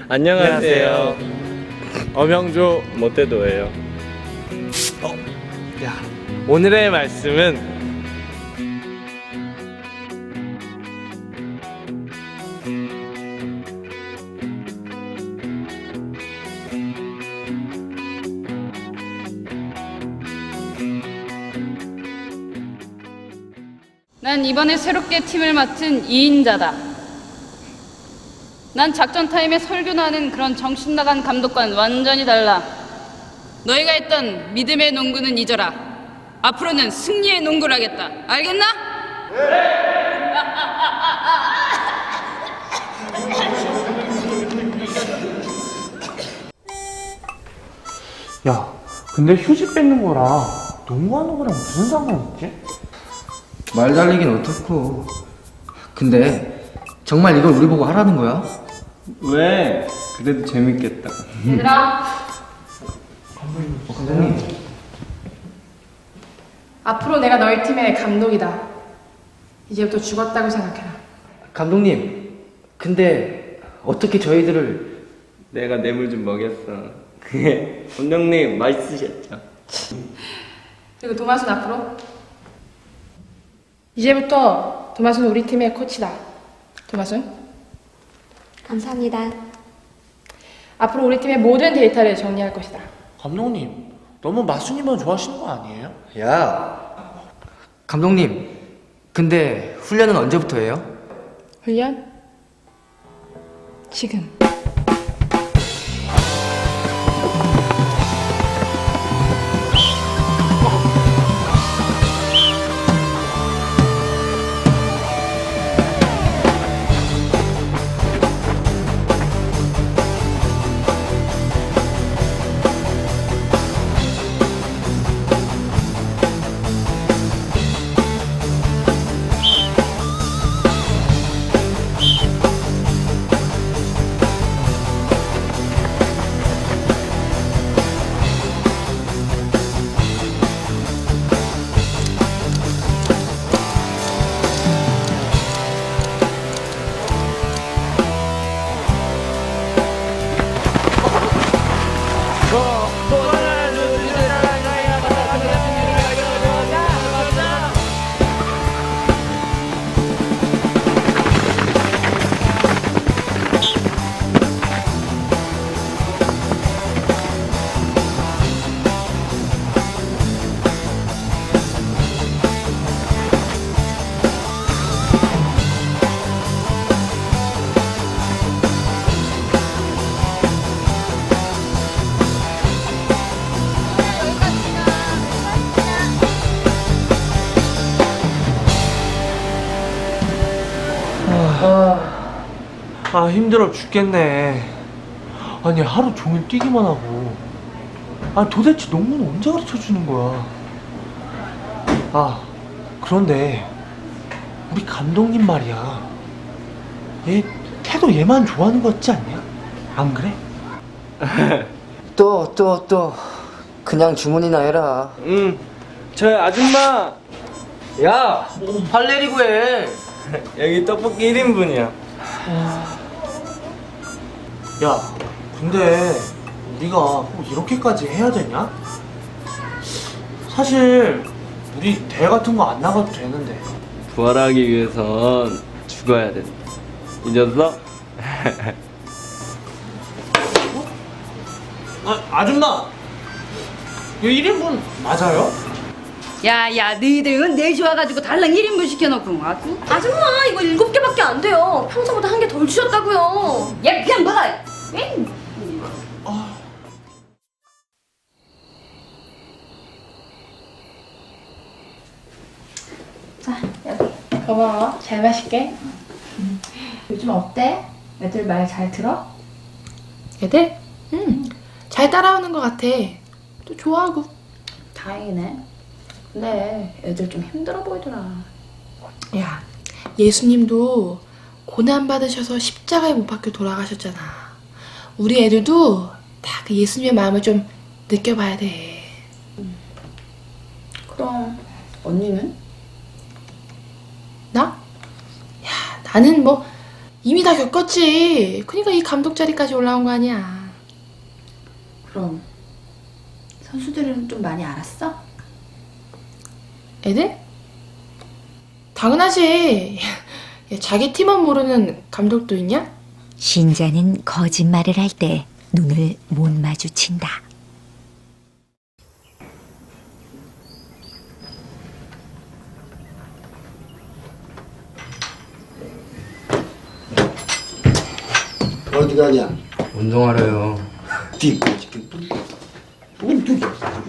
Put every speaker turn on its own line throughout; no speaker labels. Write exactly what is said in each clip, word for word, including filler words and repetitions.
안녕하세요. 엄영조 모태도예요. 어, 야, 오늘의 말씀은
난 이번에 새롭게 팀을 맡은 이인자다. 난 작전 타임에 설교나 하는 그런 정신나간 감독과는 완전히 달라. 너희가 했던 믿음의 농구는 잊어라. 앞으로는 승리의 농구를 하겠다. 알겠나?
야, 근데 휴지 뺏는 거랑 농구하는 거랑 무슨 상관 있지?
말 달리긴 어떻고. 근데 정말 이걸 우리 보고 하라는 거야?
왜? 그래도 재밌겠다.
얘들아,
어, 감독님.
앞으로 내가 너희 팀의 감독이다. 이제부터 죽었다고 생각해라.
감독님, 근데 어떻게 저희들을...
내가 뇌물 좀 먹였어. 그게 원장님 맛있으셨죠?
그리고 도마순 앞으로. 이제부터 도마순 우리 팀의 코치다. 도마순,
감사합니다.
앞으로 우리 팀의 모든 데이터를 정리할 것이다.
감독님, 너무 마순이만 좋아하시는 거 아니에요?
야, 감독님, 근데 훈련은 언제부터 해요?
훈련? 지금.
아, 힘들어 죽겠네. 아니, 하루 종일 뛰기만 하고. 아, 도대체 농구는 언제 가르쳐 주는 거야? 아, 그런데 우리 감독님 말이야. 얘 태도 얘만 좋아하는 거 같지 않냐? 안 그래?
또, 또, 또. 그냥 주문이나 해라.
응. 저 아줌마
야, 할 내리고 해.
여기 떡볶이 일 인분이야.
야, 근데 우리가 꼭 이렇게까지 해야 되냐? 사실 우리 대회 같은 거 안 나가도 되는데.
부활하기 위해선 죽어야 된다. 잊었어?
아, 아줌마! 이거 일 인분 맞아요?
야야, 너희들은 네 시 와가지고 달랑 일 인분 시켜놓고 아주.
아줌마, 이거 일곱 개밖에 안 돼요. 평소보다 한 개 덜 주셨다고요.
야, 그냥 먹어. 에이.
자, 여기. 고마워. 잘 마실게. 요즘 어때? 애들 말 잘 들어? 애들? 응. 잘 따라오는 것 같아. 또 좋아하고.
다행이네. 근데 애들 좀 힘들어 보이더라.
야, 예수님도 고난 받으셔서 십자가에 못 박혀 돌아가셨잖아. 우리 애들도 다 그 예수님의 마음을 좀 느껴봐야 돼.
그럼 언니는?
나? 야, 나는 뭐 이미 다 겪었지. 그러니까 이 감독 자리까지 올라온 거 아니야.
그럼 선수들은 좀 많이 알았어?
애들? 당연하지. 야, 자기 팀원 모르는 감독도 있냐?
신자는 거짓말을 할 때 눈을 못 마주친다.
어디 가냐?
운동하래요.
뒤까지 우리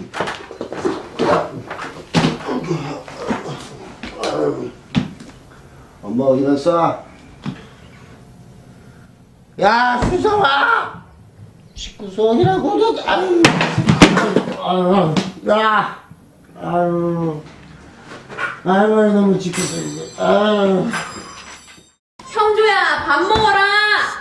엄마 어디 갔어? 야 수성아 십구성이라고 너 아유 아유 야 아유 아유 너무 지켜서 이제 아유
형조야, 밥 먹어라.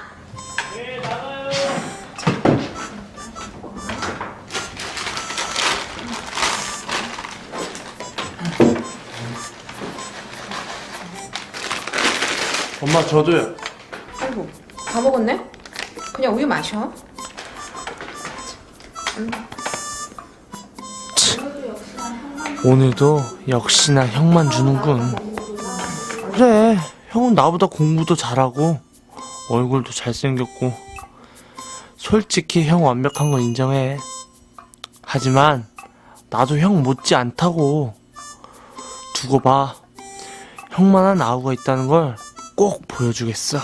엄마 저도요.
아이고, 다 먹었네? 그냥 우유 마셔.
오늘도 역시나 형만 주는군. 그래, 형은 나보다 공부도 잘하고 얼굴도 잘생겼고 솔직히 형 완벽한 거 인정해. 하지만 나도 형 못지 않다고. 두고 봐. 형만한 아우가 있다는 걸 꼭 보여주겠어.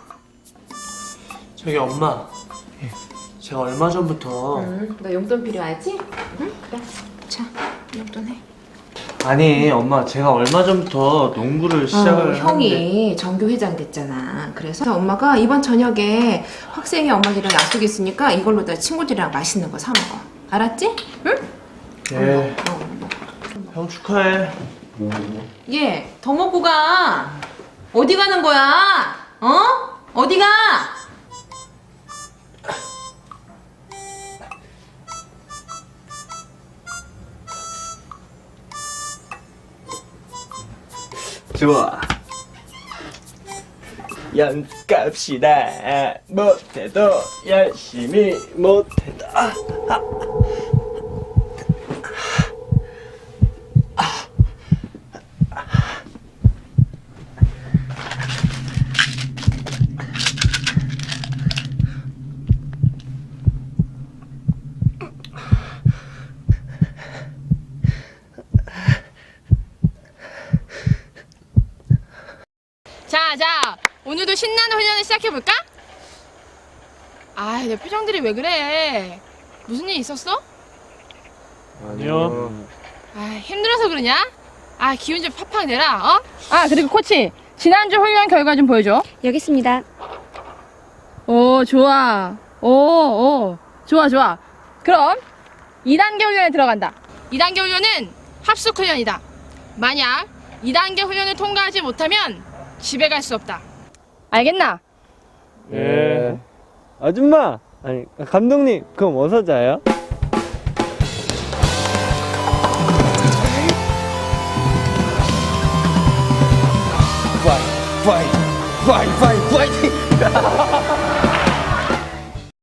저기 엄마, 예, 제가 얼마 전부터
응, 너 용돈 필요하지? 응, 그래. 자, 용돈 해.
아니 엄마, 제가 얼마 전부터 농구를 시작을
어, 형이 정교 회장 됐잖아. 그래서 엄마가 이번 저녁에 학생회 엄마들이랑 약속 있으니까 이걸로 다 친구들이랑 맛있는 거 사 먹어. 알았지? 응?
예,
어.
형 축하해.
얘, 더 먹고 가. 어디 가는 거야? 어? 어디 가?
좋아. 연습갑시다. 못해도 열심히 못해도. 아, 아.
자, 자, 오늘도 신나는 훈련을 시작해볼까? 아, 내 표정들이 왜 그래? 무슨 일 있었어?
아니요.
아, 힘들어서 그러냐? 아, 기운 좀 팍팍 내라, 어? 아, 그리고 코치, 지난주 훈련 결과 좀 보여줘.
여기 있습니다.
오, 좋아. 오, 오, 좋아, 좋아. 그럼 이 단계 훈련에 들어간다. 이 단계 훈련은 합숙 훈련이다. 만약 이 단계 훈련을 통과하지 못하면 집에 갈 수 없다. 알겠나?
예. 아줌마, 아니 감독님, 그럼 어디서 자요?